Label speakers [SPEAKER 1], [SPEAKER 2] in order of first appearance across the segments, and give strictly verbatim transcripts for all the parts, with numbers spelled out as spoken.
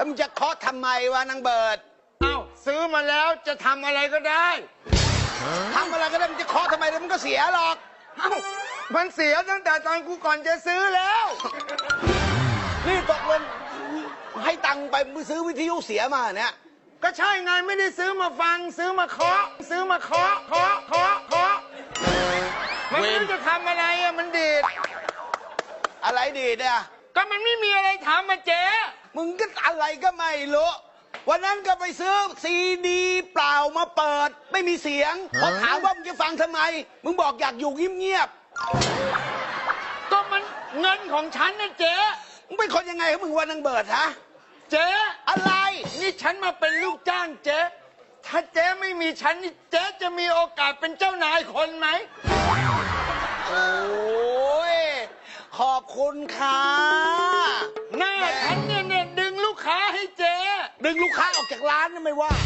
[SPEAKER 1] แล้วมึงจะเคาะทำไมวะนางเบิร์ด
[SPEAKER 2] เอ้าซื้อมาแล้วจะทำอะไรก็ได้
[SPEAKER 1] ทำอะไรก็ได้มึงจะเคาะทำไมแล้วมันก็เสียหรอก
[SPEAKER 2] เอ้ามันเสียตั้งแต่ตอนกูก่อนจะซื้อแล้ว
[SPEAKER 1] นี่ตกลงให้ตังค์ไปซื้อวิทยุเสียมาเนี่ย
[SPEAKER 2] ก็ใช่ไงไม่ได้ซื้อมาฟังซื้อมาเคาะซื้อมาเคาะเคาะเคาะเคาะมันไม่รู้จะทำอะไรอะมันดีด
[SPEAKER 1] อะไรดีดเนี่ย
[SPEAKER 2] ก็มันไม่มีอะไรทำมาเจ๊
[SPEAKER 1] มึงก็อะไรก็ไม่รู้วันนั้นก็ไปซื้อซีดีเปล่ามาเปิดไม่มีเสียงพอถามว่ามึงจะฟังทำไมมึงบอกอยากอยู่เงียบ
[SPEAKER 2] ๆก็มันเงินของฉันนะเจ๊
[SPEAKER 1] มึงเป็นคนยังไงของมึงวันนังเบิดฮะ
[SPEAKER 2] เจ๊
[SPEAKER 1] อะไร
[SPEAKER 2] นี่ฉันมาเป็นลูกจ้างเจ๊ถ้าเจ๊ไม่มีฉันนี่เจ๊จะมีโอกาสเป็นเจ้านายคนไหม
[SPEAKER 1] โอ้ยขอบคุณค่ะ
[SPEAKER 2] หน้าฉันเนี่ยเนี่ยดึงลูกค้าให้เจ๊
[SPEAKER 1] ดึงลูกค้าออกจากร้านนะไม่ว่า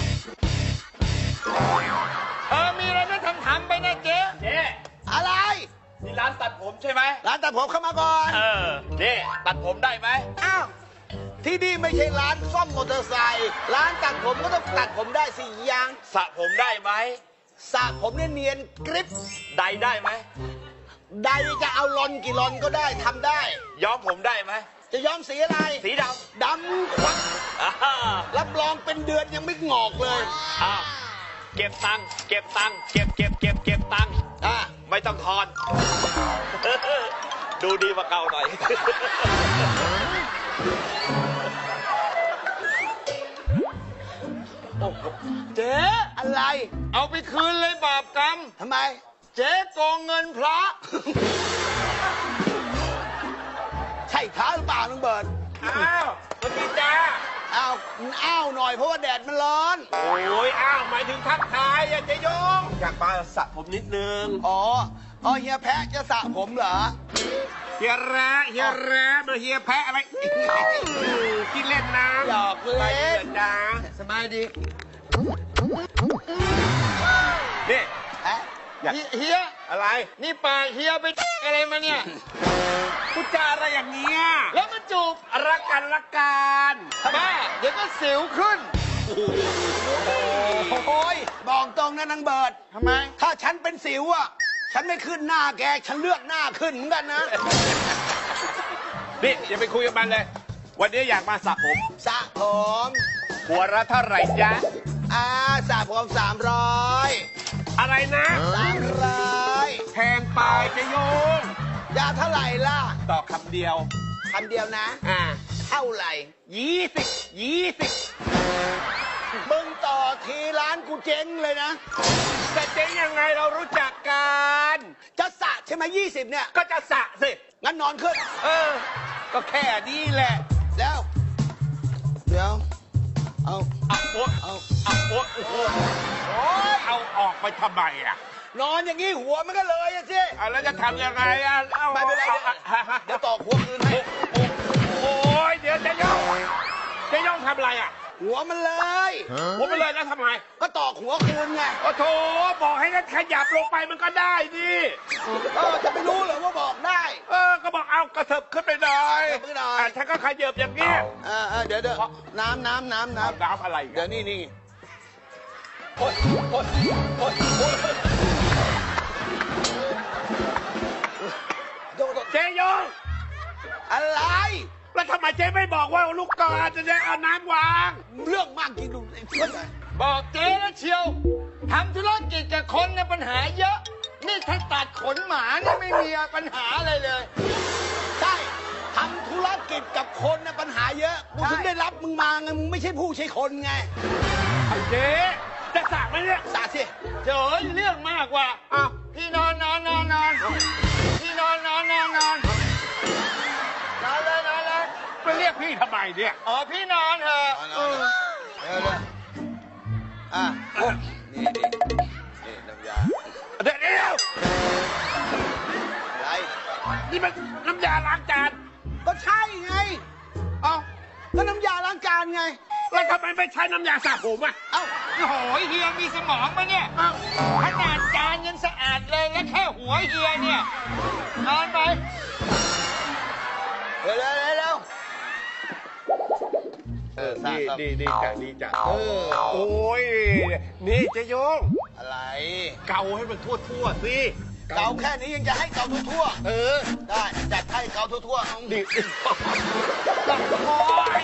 [SPEAKER 2] เออมีอะไรไม่ทำทำไปนะเจ๊
[SPEAKER 3] เจ๊
[SPEAKER 1] อะไร
[SPEAKER 3] นี่ร้านตัดผมใช่ไหม
[SPEAKER 1] ร้านตัดผมเข้ามาก่อน
[SPEAKER 3] เออนี่ตัดผมได้ไหม
[SPEAKER 1] อ้าวที่นี่ไม่ใช่ร้านซ่อมมอเตอร์ไซค์ร้านตัดผมก็ต้องตัดผมได้สิยัง
[SPEAKER 3] สระผมได้ไหม
[SPEAKER 1] สระผมเนี่ยเนียนกริบ
[SPEAKER 3] ไดได้ไหม
[SPEAKER 1] ไดจะเอาลอนกี่ลอนก็ได้ทำได้
[SPEAKER 3] ย้อมผมได้ไหม
[SPEAKER 1] จะย้อมสีอะไร
[SPEAKER 3] สีด
[SPEAKER 1] ำดำควักรับรองเป็นเดือนยังไม่งอกเลย
[SPEAKER 3] อ้าวเก็บตังค์เก็บตังค์เก็บเก็บเก็บเก็บตังค์
[SPEAKER 1] อ่า
[SPEAKER 3] ไม่ต้องทอนดูดีกว่าเก่าหน่อย
[SPEAKER 2] เจ๊
[SPEAKER 1] อะไร
[SPEAKER 2] เอาไปคืนเลยบาปกรรม
[SPEAKER 1] ทำไม
[SPEAKER 2] เจ๊โกงเงินพระ
[SPEAKER 1] ใช่พระหรือเปล่าลุงเบิร์ด
[SPEAKER 2] อ้าวสวัสดีจ้า
[SPEAKER 1] อ้าวอ้าวหน่อยเพราะว่าแดดมันร้อน
[SPEAKER 3] โอ้ยอ้าวหมายถึงทักทายอะเจ๊ยงอยากมาสระผมนิดนึง
[SPEAKER 1] อ๋ออ๋อเฮียแพะจะสระผมเหรอ
[SPEAKER 2] เฮียแร้เฮียแร้มาเฮียแพะอะไรกินเล่นน้ำ
[SPEAKER 1] หยอกเล่น
[SPEAKER 2] จ้าสบายดีนี่เฮีย
[SPEAKER 3] อะไร
[SPEAKER 2] นี่ปากเฮียไปอะไรมาเนี่ย
[SPEAKER 3] พูดจาอะไรอย่างเงี้ย
[SPEAKER 2] แล้วมาจูบ
[SPEAKER 3] รักกันรักกัน
[SPEAKER 2] บ้าเดี๋ยวก็สิวขึ้น
[SPEAKER 1] โอ้ยบอกตรงนะนางเบิร์ด
[SPEAKER 2] ทำไม
[SPEAKER 1] ถ้าฉันเป็นสิวอ่ะฉันไม่ขึ้นหน้าแกฉันเลือกหน้าขึ้นเหมือนกันนะ
[SPEAKER 3] นี่อย่าไปคุยกับมันเลยวันนี้อยากมาสระผม
[SPEAKER 1] สระผม
[SPEAKER 3] หัวละเท่าไหร่จ๊ะ
[SPEAKER 1] อ่าสระผมสามร้อย
[SPEAKER 3] อะไรนะ
[SPEAKER 1] สามร้อย
[SPEAKER 3] แพงไปจะโยง
[SPEAKER 1] ยาเท่าไหร่ล่ะ
[SPEAKER 3] ต่อคำเดียว
[SPEAKER 1] คำเดียวนะ
[SPEAKER 3] อ่า
[SPEAKER 1] เท่าไหร่
[SPEAKER 3] ยี่สิบยี่สิบ
[SPEAKER 1] มึงต่อทีร้านกูเจ๊งเลยนะ
[SPEAKER 3] แต่เจ๊งยังไงเรารู้จักกัน
[SPEAKER 1] จะสระใช่ไหมยี่สิบเนี่ย
[SPEAKER 3] ก็จะสระสิ
[SPEAKER 1] งั้นนอนขึ้น
[SPEAKER 3] เออก็แค่นี้แหละ
[SPEAKER 1] แล้วเดี๋ยวเอา
[SPEAKER 3] เอาโอ๊ะ
[SPEAKER 1] เอา
[SPEAKER 3] เอาโอ๊ะโอ้โหเอาออกไปทำไมอ่ะ
[SPEAKER 1] นอนอย่างนี้หัวมันก็เลยอะสิ
[SPEAKER 3] แล้วจะทำยังไงอ่ะ
[SPEAKER 1] ไม่เป็นไรเดี๋ยวตอกหัวคืนให้
[SPEAKER 3] โอ้ยเดี๋ยวจะย่องจะย่องทำอะไรอ่ะ
[SPEAKER 1] หัวมันเลย
[SPEAKER 3] หัวมันเลยแล้วทำไม
[SPEAKER 1] ก็ตอกหัวคืนไง
[SPEAKER 3] โอ้โถบอกให้นั่นขยับลงไปมันก็ได้ดิ
[SPEAKER 1] เออจะไม่รู้เหรอว่าบอกได้
[SPEAKER 3] เออก็บอกเอากระเถิบขึ้นไปหน่อย
[SPEAKER 1] ขึ้นหน่อย
[SPEAKER 3] ฉันก็ขยับอย่างเงี้ย
[SPEAKER 1] เออเดี๋ยวเดี๋ยวน้ำน้ำน้ำน้ำ
[SPEAKER 3] น้ำอะไร
[SPEAKER 1] เดี๋ยวนี่นี่
[SPEAKER 3] โอ๊ยโอ๊ยโอ๊ยโอ๊ยเจ๊ยง
[SPEAKER 1] อะไร
[SPEAKER 3] แล้วทำไมเจ๊ไม่บอกว่าลูกกอดจะได้เอาน้ำวาง
[SPEAKER 1] เรื่องมากจริงลุงเพื่อน
[SPEAKER 2] บอกเจ๊แล้วเชียวทำธุรกิจกับคนในปัญหาเยอะนี่ถ้าตัดขนหมาเนี่ยไม่มีปัญหาอะไรเลย
[SPEAKER 1] ใช่ทำธุรกิจกับคนในปัญหาเยอะกูถึงได้รับมึงมาไงมึงไม่ใช่ผู้ใช่คนไง
[SPEAKER 3] เจ๊จะสระไหมเนี่ย
[SPEAKER 1] สระสิ
[SPEAKER 2] เจ๋อเรื่องมากกว่าอ้าวพี่นอนนอนนอนนอนพี่นอนนอนนอนนอนนอนเลยนอนเลย
[SPEAKER 3] ไปเรียกพี่ทำไมเนี่ย
[SPEAKER 2] อ๋อพี่นอนเถอะ
[SPEAKER 1] เออเดี๋ยวเดี๋ยวอ่ะนี่นี่นี่น้ำยา
[SPEAKER 3] เดี๋ยวเดี๋ยว
[SPEAKER 1] อะไร
[SPEAKER 3] นี่มันน้ำยาล้างจาน
[SPEAKER 1] ก็ใช่ไงเอ้าก็น้ำยาล้างจานไง
[SPEAKER 3] แล้วทำไมไม่ใช้น้ำยาสระผมอ่ะ
[SPEAKER 2] เอ้าโอ้โหเฮียมีสมองปะเนี่ยขนาดจานยังสะอาดเลยและแค่หัวเฮียเนี่ยนอนไป
[SPEAKER 1] เร็วเร็วเร็ว
[SPEAKER 2] เออดีดีดีจ้ะดีจ้ะ
[SPEAKER 1] เออ
[SPEAKER 2] โอ้ยนี่เจโยง
[SPEAKER 1] อะไร
[SPEAKER 2] เกาให้มันทั่วทั่วๆสิ
[SPEAKER 1] เกาแค่นี้ยังจะให้เกาทั่ว
[SPEAKER 2] เออ
[SPEAKER 1] ๆได้จัดให้เกาทั่วๆเอา
[SPEAKER 2] ดี
[SPEAKER 3] โอ้ย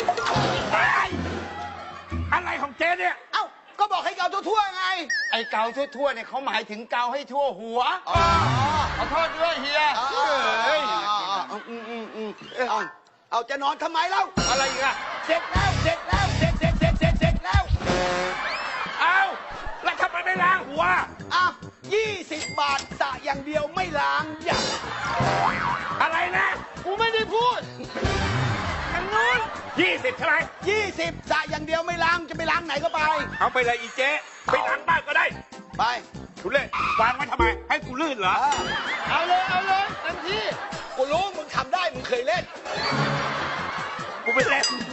[SPEAKER 3] อะไรของเจ๊เนี่ย
[SPEAKER 1] เอ้าก็บอกให้เกาทั่วๆไง
[SPEAKER 2] ไอเกาทั่วทั่วๆเนี่ยเขาหมายถึงเกาให้ทั่วหัว
[SPEAKER 1] อ๋อ
[SPEAKER 2] ขอโทษด้วยเฮีย
[SPEAKER 1] อ๋อ
[SPEAKER 2] เฮ้ย
[SPEAKER 1] อืมอืมอืมอืมเอาเอาจะนอนทำไมเล่า
[SPEAKER 3] อะไรอีกอะ
[SPEAKER 1] เสร็จแล้วเสร็จแล้วเสร็จเสร็จเสร็จเสร็จเสร็จแล้ว
[SPEAKER 3] เอ้าแล้วทำไมไม่ล้างหัว
[SPEAKER 1] อ่ะยี่สิบบาทสระอย่างเดียวไม่ล้างอย่าง
[SPEAKER 3] อะไรนะ
[SPEAKER 2] กูไม่ได้พูด
[SPEAKER 3] ทางนู้นยี่สิบใช่ไหม
[SPEAKER 1] ยี่สิบสระอย่างเดียวไม่ล้างจะไปล้างไหนก็ไป
[SPEAKER 3] เอาไปเลยอีเจ๊ไปล้างบ้านก็ได้
[SPEAKER 1] ไป
[SPEAKER 3] ทุเล่วางไว้ทำไม ให้กูลื่นเหรอ
[SPEAKER 1] อ่ะ
[SPEAKER 2] เอาเลยเอาเลยเต็มที่
[SPEAKER 1] กูรู้มึงทำได้มึงเคยเล่น
[SPEAKER 3] กูไม่เล่น